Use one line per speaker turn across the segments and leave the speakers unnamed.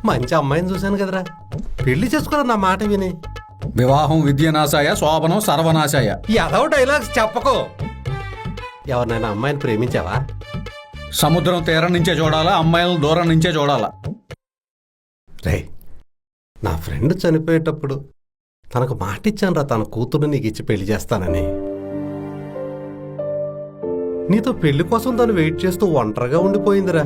మంచి అమ్మాయిని చూశాను కదరా, పెళ్లి చేసుకోరా నా మాట విని.
వివాహం విద్యనాశాయ, శోభనం సర్వనాశాయ.
ఏదో డైలాగ్స్ చెప్పకో. ఎవరినైనా అమ్మాయిని ప్రేమించావా?
సముద్రం తీరం నుంచే చూడాలా, అమ్మాయిలను దూరం నుంచే చూడాలా?
రే, నా ఫ్రెండ్ చనిపోయేటప్పుడు తనకు మాట ఇచ్చాను రా, తన కూతురు నీకు ఇచ్చి పెళ్లి చేస్తానని. నీతో పెళ్లి కోసం తను వెయిట్ చేస్తూ ఒంటరిగా ఉండిపోయిందిరా.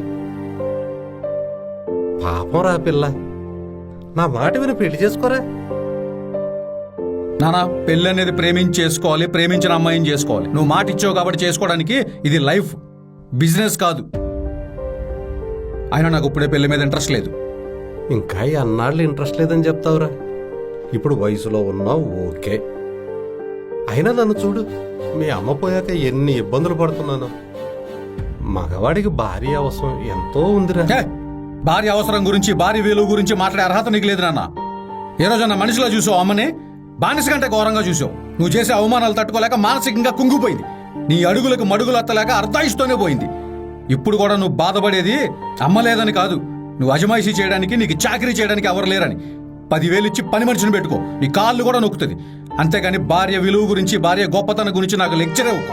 పాపం రా పిల్ల, నా మాట విని పెళ్లి చేసుకోరా.
నానా, పెళ్ళి అనేది ప్రేమించి చేసుకోవాలి, ప్రేమించిన అమ్మాయిని చేసుకోవాలి. నువ్వు మాట ఇచ్చావు కాబట్టి చేసుకోవడానికి. ఇది లైఫ్, బిజినెస్ కాదు. అయినా నాకు ఇప్పుడే పెళ్లి మీద ఇంట్రెస్ట్ లేదు.
ఇంకా అన్నాళ్ళు ఇంట్రెస్ట్ లేదని చెప్తావురా. ఇప్పుడు వయసులో ఉన్నావు, ఓకే. అయినా నన్ను చూడు, మీ అమ్మ పోయాక ఎన్ని ఇబ్బందులు పడుతున్నాను. మగవాడికి భార్య అవసరం ఎంతో ఉందిరా.
భార్య అవసరం గురించి, భార్య విలువ గురించి మాట్లాడే అర్హత నీకు లేదు నాన్న. ఏ రోజన్నా మనిషిలో చూసావు అమ్మని? బానిస కంటే ఘోరంగా చూసావు. నువ్వు చేసే అవమానాలు తట్టుకోలేక మానసికంగా కుంగిపోయింది. నీ అడుగులకు మడుగులు అత్తలేక అర్ధాయిస్తూనే పోయింది. ఇప్పుడు కూడా నువ్వు బాధపడేది అమ్మ లేదని కాదు, నువ్వు అజమాయిషీ చేయడానికి, నీకు చాకరీ చేయడానికి ఎవరు లేరని. 10,000 ఇచ్చి పని మనిషిని పెట్టుకో, నీ కాళ్ళు కూడా నొక్కుతుంది. అంతేగాని భార్య విలువ గురించి, భార్య గొప్పతనం గురించి నాకు లెక్చర్ ఇవ్వకు.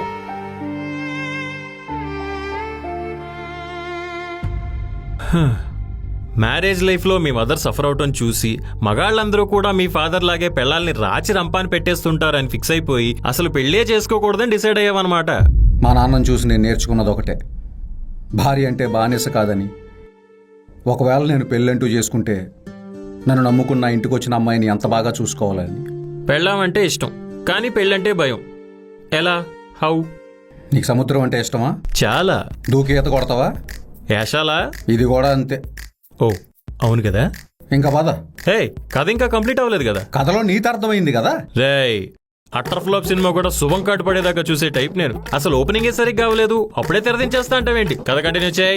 మ్యారేజ్ లైఫ్లో మీ మదర్ సఫర్ అవటం చూసి మగాళ్ళందరూ కూడా మీ ఫాదర్ లాగే పెళ్ళాల్ని రాచి రంపాన్ని పెట్టేస్తుంటారని ఫిక్స్ అయిపోయి అసలు పెళ్ళే చేసుకోకూడదని డిసైడ్ అయ్యావన్నమాట.
మా నాన్నను చూసి నేను నేర్చుకున్నది ఒకటే, భార్య అంటే బానిస కాదని. ఒకవేళ నేను పెళ్ళంటూ చేసుకుంటే నన్ను నమ్ముకున్న ఇంటికి వచ్చిన అమ్మాయిని ఎంత బాగా చూసుకోవాలని.
పెళ్ళామంటే ఇష్టం, కానీ పెళ్ళంటే భయం. ఎలా? హౌ?
నీకు సముద్రం అంటే ఇష్టమా?
చాలా.
దూకి ఈత కొడతావా?
యాషాలా?
ఇది కూడా అంతే.
ఓ అవును కదా.
ఇంకా పద.
హే, కథ ఇంకా కంప్లీట్ అవ్వలేదు కదా.
కథలో నీతి అర్థమైంది కదా.
రేయ్, అట్టర్ ఫ్లాప్ సినిమా కూడా శుభం కాటు పడేదాకా చూసే టైప్ నేను. అసలు ఓపెనింగే సరిగ్గా అవ్వలేదు, అప్పుడే తెరదించేస్తా అంటావేంటి? కథ కంటిన్యూ చేయి.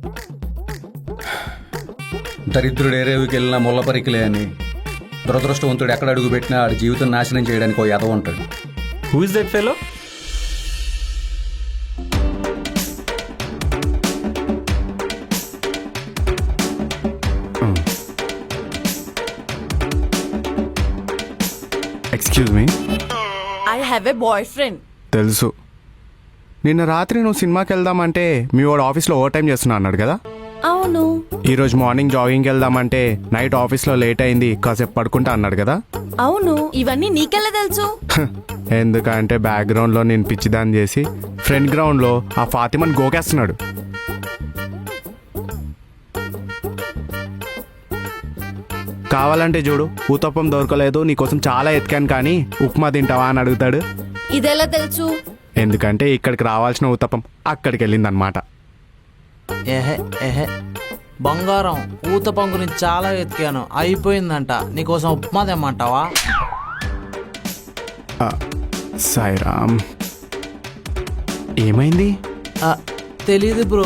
దరిద్రుడు ఏరేవికి వెళ్ళినా ముళ్ళ పరికిలే అని, దురదృష్టవంతుడు ఎక్కడ అడుగు పెట్టినా ఆడి జీవితం నాశనం చేయడానికి ఓ ఎదవ ఉంటాడు.
Who is that fellow?
Excuse me.
I have a boyfriend.
తెలుసు. నిన్న రాత్రి నువ్వు సినిమాకి వెళ్దామంటే మీ వాడు ఆఫీస్లో ఓవర్ టైం చేస్తున్నా అన్నాడు కదా.
అవును.
ఈరోజు మార్నింగ్ జాగింగ్కి వెళ్దామంటే నైట్ ఆఫీస్లో లేట్ అయింది, కాసేపు పడుకుంటా అన్నాడు కదా.
అవును. ఇవన్నీ నీకెలా తెలుసు?
ఎందుకంటే బ్యాక్గ్రౌండ్లో నేను పిచ్చిదాన్ని చేసి ఫ్రంట్ గ్రౌండ్లో ఆ ఫాతిమని గోకేస్తున్నాడు. కావాలంటే చూడు, ఊతప్పం దొరకలేదు, నీకోసం చాలా ఎతికాను కానీ ఉప్మా తింటావా అని అడుగుతాడు.
ఇదెలా తెలుసు?
ఎందుకంటే ఇక్కడికి రావాల్సిన ఊతప్పం అక్కడికి వెళ్ళిందనమాట.
ఏహే ఏహే బంగారం, ఊతప్పం గురించి చాలా వెతికాను, అయిపోయిందంట. నీకోసం ఉప్మా తెమ్మంటావా?
సాయిరామ్, ఏమైంది?
తెలీదు బ్రో.